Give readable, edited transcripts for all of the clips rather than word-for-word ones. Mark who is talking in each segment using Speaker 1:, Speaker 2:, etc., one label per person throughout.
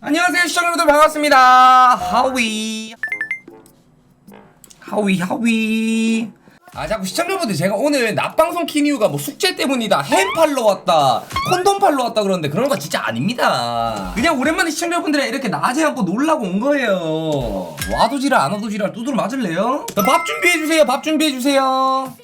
Speaker 1: 안녕하세요 시청자분들 반갑습니다. 하위 자꾸 시청자분들 제가 오늘 낮방송 킨 이유가 뭐 숙제 때문이다, 햄 팔러 왔다, 콘돔 팔러 왔다 그러는데 그런 거 진짜 아닙니다. 그냥 오랜만에 시청자분들이 이렇게 낮에 한번 놀라고 온 거예요. 와도 지랄 안 와도 지랄 두드러 맞을래요? 밥 준비해주세요. 밥 준비해주세요.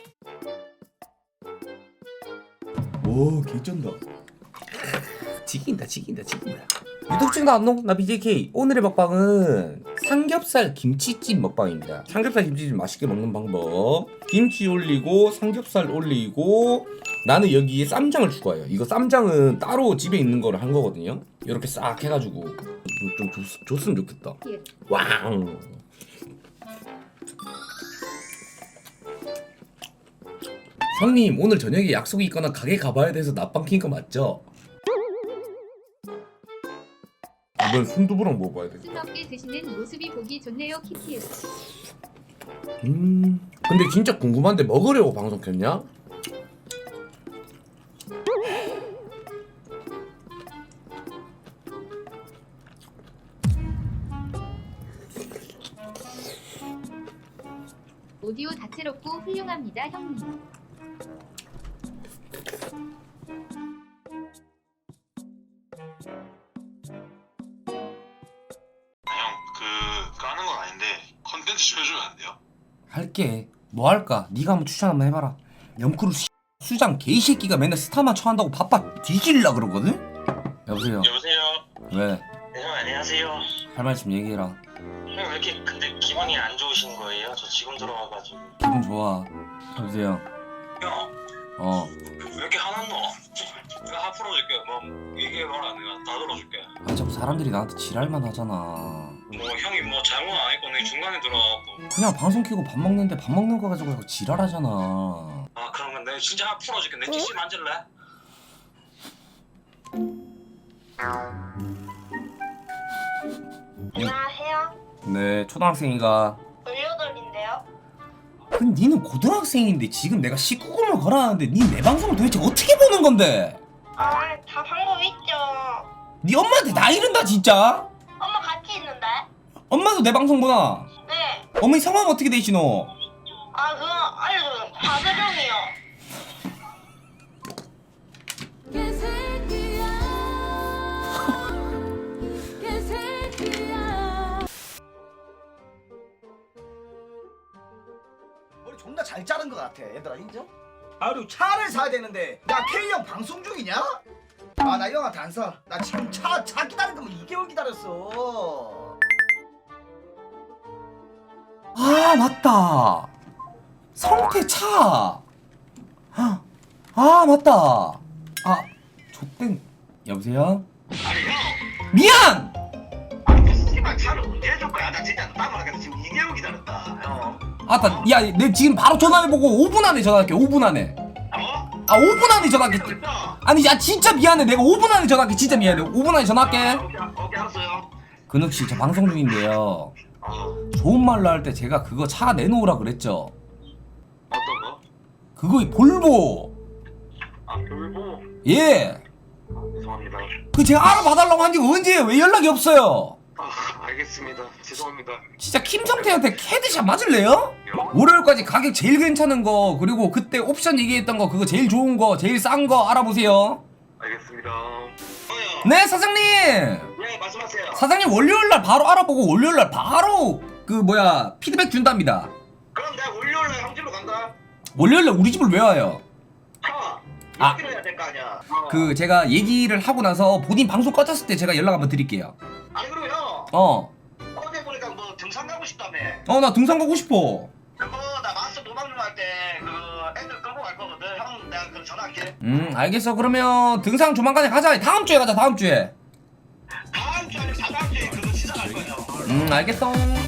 Speaker 1: 오 개쩐다. 지긴다. 유독증도 안농 나 BJK. 오늘의 먹방은 삼겹살 김치찜 먹방입니다. 삼겹살 김치찜 맛있게 먹는 방법. 김치 올리고 삼겹살 올리고 나는 여기에 쌈장을 추가해요. 이거 쌈장은 따로 집에 있는 거를 한 거거든요. 이렇게 싹 해가지고 좀 줬으면 좋겠다. 왕. 형님 오늘 저녁에 약속이 있거나 가게 가봐야 돼서 낮방 킨 거 맞죠? 이번 순두부랑 먹어봐야 돼.
Speaker 2: 뜨겁게 드시는 모습이 보기 좋네요. 키키우.
Speaker 1: 근데 진짜 궁금한데 먹으려고 방송 켰냐?
Speaker 2: 오디오 다채롭고 훌륭합니다, 형님.
Speaker 3: 까는 건 아닌데 컨텐츠 좀 해주면 안 돼요?
Speaker 1: 할게. 뭐 할까? 네가 한번 추천 한번 해봐라. 염크루 수장 개새끼가 맨날 스타만 쳐한다고 바빠 뒤질라 그러거든? 여보세요.
Speaker 3: 여보세요?
Speaker 1: 왜?
Speaker 3: 네, 형 안녕하세요.
Speaker 1: 할 말씀 얘기해라.
Speaker 3: 형 왜 이렇게 근데 기분이 안 좋으신 거예요? 저 지금 들어와가지고.
Speaker 1: 기분 좋아. 여보세요.
Speaker 3: 형 왜 이렇게 화났노? 내가 하 풀어줄게. 뭐 얘기해봐라. 내가 다 들어줄게.
Speaker 1: 아 자꾸 사람들이 나한테 지랄만 하잖아.
Speaker 3: 뭐 형이 뭐 잘못 안 했고 내가 중간에 들어와갖고.
Speaker 1: 그냥 방송 켜고 밥 먹는데 밥 먹는 거 가지고 자꾸 지랄하잖아.
Speaker 3: 아 그러면 내가 진짜 하 풀어줄게. 내 PC 만질래?
Speaker 4: 안녕하세요.
Speaker 1: 네, 초등학생이가.
Speaker 4: 18인데요.
Speaker 1: 근데 니는 고등학생인데 지금 내가 19금을 걸어놨는데 니 내 방송을 도대체 어떻게 보는 건데?
Speaker 4: 다 방법 있죠.
Speaker 1: 니 엄마한테 나 이른다 진짜?
Speaker 4: 엄마 같이 있는데?
Speaker 1: 엄마도 내 방송 보나?
Speaker 4: 네.
Speaker 1: 어머니 성함 어떻게 되시노?
Speaker 4: 그거 알려줘요. 박은영이요.
Speaker 5: 머리 존나 잘 자른 것 같아. 얘들아 인정? 그리고 차를 사야 되는데 야 K형 방송 중이냐? 나 이 형한테 안 사. 나 지금 차 기다린 거면 2개월 기다렸어.
Speaker 1: 아 맞다. 성태차. 아 맞다. 아 좆땡. 여보세요?
Speaker 3: 아니 형!
Speaker 1: 미안.
Speaker 3: 씨발 차를 언제 해줄 거야? 나 진짜 따라가서 지금 2개월 기다렸다. 형.
Speaker 1: 아따 야 내 지금 바로 전화해보고 5분 안에 전화할게. 5분 안에.
Speaker 3: 어?
Speaker 1: 5분 안에 전화할게.
Speaker 3: 그랬어?
Speaker 1: 아니 야 진짜 미안해. 내가 5분 안에 전화할게. 진짜 미안해. 5분 안에 전화할게.
Speaker 3: 오케이 알았어요.
Speaker 1: 근욱씨 저 방송 중인데요. 좋은 말로 할 때 제가 그거 차 내놓으라 그랬죠.
Speaker 3: 어떤 거?
Speaker 1: 그거 볼보.
Speaker 3: 돌보.
Speaker 1: 예.
Speaker 3: 죄송합니다.
Speaker 1: 그 제가 알아봐달라고 한 지가 언제예요? 왜 연락이 없어요?
Speaker 3: 알겠습니다. 죄송합니다.
Speaker 1: 진짜 김성태한테 캐드샷 맞을래요? 월요일까지 가격 제일 괜찮은 거 그리고 그때 옵션 얘기했던 거 그거 제일 좋은 거 제일 싼 거 알아보세요.
Speaker 3: 알겠습니다.
Speaker 1: 네 사장님.
Speaker 3: 네 말씀하세요.
Speaker 1: 사장님 월요일날 바로 알아보고 월요일날 바로 그 피드백 준답니다.
Speaker 3: 그럼 내가 월요일날 형 집으로 간다.
Speaker 1: 월요일날 우리 집을 왜 와요? 아.
Speaker 3: 얘기를 해야 될 거 아니야.
Speaker 1: 그 제가 얘기를 하고 나서 본인 방송 꺼졌을 때 제가 연락 한번 드릴게요.
Speaker 3: 아니 그리고 형 어제 보니까 뭐 등산 가고 싶다며.
Speaker 1: 나 등산 가고 싶어.
Speaker 3: 그거 나 마스 도망 좀 할 때 그 애들 끌고 갈 거거든. 형 내가 그 전화할게.
Speaker 1: 알겠어. 그러면 등산 조만간에 가자. 다음 주에 가자. 다음 주에.
Speaker 3: 다음 주 아니면 다다음 주에 그거 시작할 거야.
Speaker 1: 알겠어.